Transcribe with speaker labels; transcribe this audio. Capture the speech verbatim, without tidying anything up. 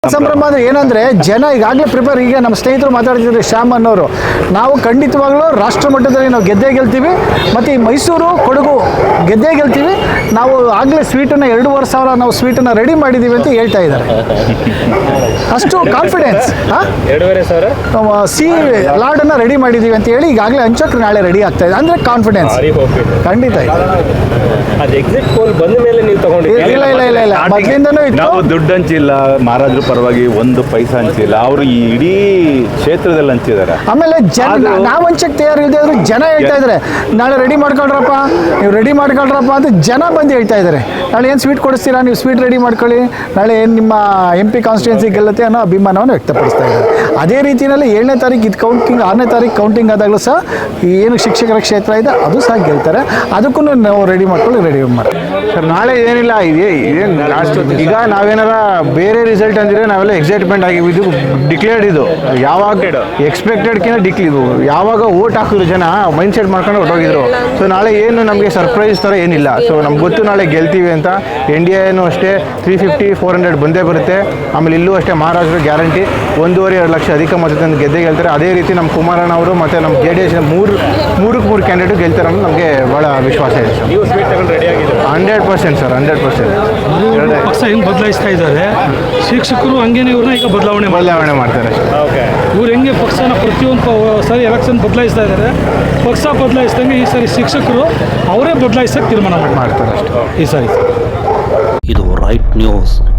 Speaker 1: ಸಂಭ್ರಮ ಅಂದ್ರೆ ಏನಂದ್ರೆ ಜನ ಈಗಾಗಲೇ ಪ್ರಿಪೇರ್. ಈಗ ನಮ್ಮ ಸ್ನೇಹಿತರು ಮಾತಾಡ್ತಿದ್ರು ಶ್ಯಾಮ್ ಅನ್ನೋರು, ನಾವು ಖಂಡಿತವಾಗ್ಲೂ ರಾಷ್ಟ್ರ ಮಟ್ಟದಲ್ಲಿ ನಾವು ಗೆದ್ದೇ ಗೆಲ್ತೀವಿ, ಮತ್ತು ಈ ಮೈಸೂರು ಕೊಡಗು ಗೆದ್ದೇ ಗೆಲ್ತೀವಿ. ನಾವು ಆಗಲೇ ಸ್ವೀಟನ್ನು ಎರಡೂವರೆ ಸಾವಿರ ನಾವು ಸ್ವೀಟನ್ನು ರೆಡಿ ಮಾಡಿದ್ದೀವಿ ಅಂತ ಹೇಳ್ತಾ ಇದ್ದಾರೆ. ಅಷ್ಟು ಕಾನ್ಫಿಡೆನ್ಸ್.
Speaker 2: ಎರಡೂವರೆ ಸಾವಿರ
Speaker 1: ಸಿ ಲಾರ್ಡನ್ನು ರೆಡಿ ಮಾಡಿದ್ದೀವಿ ಅಂತ ಹೇಳಿ ಈಗಾಗಲೇ ಹಂಚೋಕೆ ನಾಳೆ ರೆಡಿ ಆಗ್ತಾ ಇದೆ. ಅಂದರೆ ಕಾನ್ಫಿಡೆನ್ಸ್ ಖಂಡಿತ ಇದೆ.
Speaker 2: ಅದು ಎಕ್ಸಿಟ್ ಪೋಲ್ ಬಂದ ಮೇಲೆ ನೀವು ತಗೊಂಡಿದ್ದೀರಿ?
Speaker 1: ಇಲ್ಲ ಇಲ್ಲ ಇಲ್ಲ ಇಲ್ಲ ಮೊದಲಿಂದನೂ ಇತ್ತು.
Speaker 3: ನಾವು ದುಡ್ಡು ಹಂಚಿಲ್ಲ, ಮಹಾರಾಜರ ಪರವಾಗಿ ಒಂದು ಪೈಸಾ ಹಂಚಿಲ್ಲ, ಅವರು ಈ ಇಡೀ ಕ್ಷೇತ್ರದಲ್ಲಿ ಹಂಚಿದ್ದಾರೆ.
Speaker 1: ಆಮೇಲೆ ಜನ ನಾವು ಹಂಚಕ್ಕೆ ತಯಾರು ಇಲ್ಲದೆ ಆದರೂ ಜನ ಹೇಳ್ತಾ ಇದ್ದಾರೆ ನಾಳೆ ರೆಡಿ ಮಾಡ್ಕೊಳ್ರಪ್ಪ, ನೀವು ರೆಡಿ ಮಾಡ್ಕೊಳ್ರಪ್ಪ ಅಂತ ಜನ ಬಂದು ಹೇಳ್ತಾ ಇದ್ದಾರೆ. ನಾಳೆ ಏನು ಸ್ವೀಟ್ ಕೊಡಿಸ್ತೀರಾ, ನೀವು ಸ್ವೀಟ್ ರೆಡಿ ಮಾಡ್ಕೊಳ್ಳಿ, ನಾಳೆ ಏನು ನಿಮ್ಮ ಎಂ ಪಿ ಕಾನ್ಸ್ಟಿಟ್ಯೂನ್ಸಿ ಗೆಲ್ಲುತ್ತೆ ಅನ್ನೋ ಅಭಿಮಾನವನ್ನು ವ್ಯಕ್ತಪಡಿಸ್ತಾ ಇದ್ದಾರೆ. ಅದೇ ರೀತಿಯಲ್ಲಿ ಏಳನೇ ತಾರೀಕು ಇದು ಕೌಂಟಿಂಗ್, ಆರನೇ ತಾರೀಕು ಕೌಂಟಿಂಗ್ ಆದಾಗಲೂ ಸಹ ಏನು ಶಿಕ್ಷಕರ ಕ್ಷೇತ್ರ ಇದೆ ಅದು ಸಹ ಗೆಲ್ತಾರೆ. ಅದಕ್ಕೂ ನಾವು ರೆಡಿ ಮಾಡ್ಕೊಳ್ಳಿ, ರೆಡಿ ಮಾಡಿ
Speaker 4: ಸರ್. ನಾಳೆ ಏನಿಲ್ಲ, ಇದೆ ಇದೇನು ಲಾಸ್ಟ್. ಈಗ ನಾವೇನಾರ ಬೇರೆ ರಿಸಲ್ಟ್ ಅಂದರೆ ನಾವೆಲ್ಲ ಎಕ್ಸೈಟ್ಮೆಂಟ್ ಆಗಿವಿ. ಇದು ಡಿಕ್ಲೇರ್ಡ್, ಇದು ಯಾವಾಗ ಎಕ್ಸ್ಪೆಕ್ಟೆಡ್ಕಿಂತ ಡಿಕ್ಲಿ ಇದು ಯಾವಾಗ ಓಟ್ ಹಾಕಿದ್ರು ಜನ ಮೈಂಡ್ ಸೆಟ್ ಮಾಡ್ಕೊಂಡು ಹೊಟ್ಟೋಗಿದ್ರು. ಸೊ ನಾಳೆ ಏನು ನಮಗೆ ಸರ್ಪ್ರೈಸ್ ಥರ ಏನಿಲ್ಲ. ಸೊ ನಮ್ಗೆ ಗೊತ್ತು ನಾಳೆ ಗೆಲ್ತೀವಿ ಅಂತ. ಎನ್ ಡಿ ಎನೂ ಅಷ್ಟೇ ತ್ರೀ ಫಿಫ್ಟಿ ಫೋರ್ ಹಂಡ್ರೆಡ್ ಬಂದೇ ಬರುತ್ತೆ. ಆಮೇಲೆ ಇಲ್ಲೂ ಅಷ್ಟೇ ಮಹಾರಾಷ್ಟ್ರ ಗ್ಯಾರಂಟಿ ಒಂದೂವರೆ ಎರಡು ಲಕ್ಷ ಅಧಿಕ ಮತದಿಂದ ಗೆದ್ದೇ ಗೆಲ್ತಾರೆ. ಅದೇ ರೀತಿ ನಮ್ಮ ಕುಮಾರಣ್ಣ ಅವರು ಮತ್ತು ನಮ್ಮ ಜೆ ಡಿ ಎಸ್ ಮೂರು ಮೂರಕ್ಕೆ ಮೂರು ಕ್ಯಾಂಡಿಡೇಟ್ ಗೆಲ್ತಾರೆ ಅಂತ ನಮಗೆ ಭಾಳ ವಿಶ್ವಾಸ ಇದೆ ಸರ್.
Speaker 2: ನೀವು ಸ್ವೀಟ್ ತಗೊಂಡು ರೆಡಿ ಆಗಿದೆ?
Speaker 4: Hundred percent sir, hundred percent.
Speaker 5: ಪಕ್ಷ ಹೆಂಗೆ ಬದಲಾಯಿಸ್ತಾ ಇದ್ದಾರೆ, ಶಿಕ್ಷಕರು ಹಂಗೇನೆ ಇವ್ರನ್ನ ಈಗ ಬದಲಾವಣೆ
Speaker 4: ಬದಲಾವಣೆ ಮಾಡ್ತಾರೆ ಅಷ್ಟೇ.
Speaker 2: ಓಕೆ.
Speaker 5: ಇವ್ರು ಹೆಂಗೆ ಪಕ್ಷನ ಪ್ರತಿಯೊಂದು ಸಾರಿ ಎಲೆಕ್ಷನ್ ಬದಲಾಯಿಸ್ತಾ ಇದ್ದಾರೆ, ಪಕ್ಷ ಬದಲಾಯಿಸ್ದಂಗೆ ಈ ಸಾರಿ ಶಿಕ್ಷಕರು ಅವರೇ ಬದಲಾಯಿಸೋಕೆ ತೀರ್ಮಾನ
Speaker 4: ಮಾಡ್ತಾರೆ ಅಷ್ಟೇ
Speaker 5: ಈ ಸಾರಿ.
Speaker 6: ಇದು ರೈಟ್ ನ್ಯೂಸ್.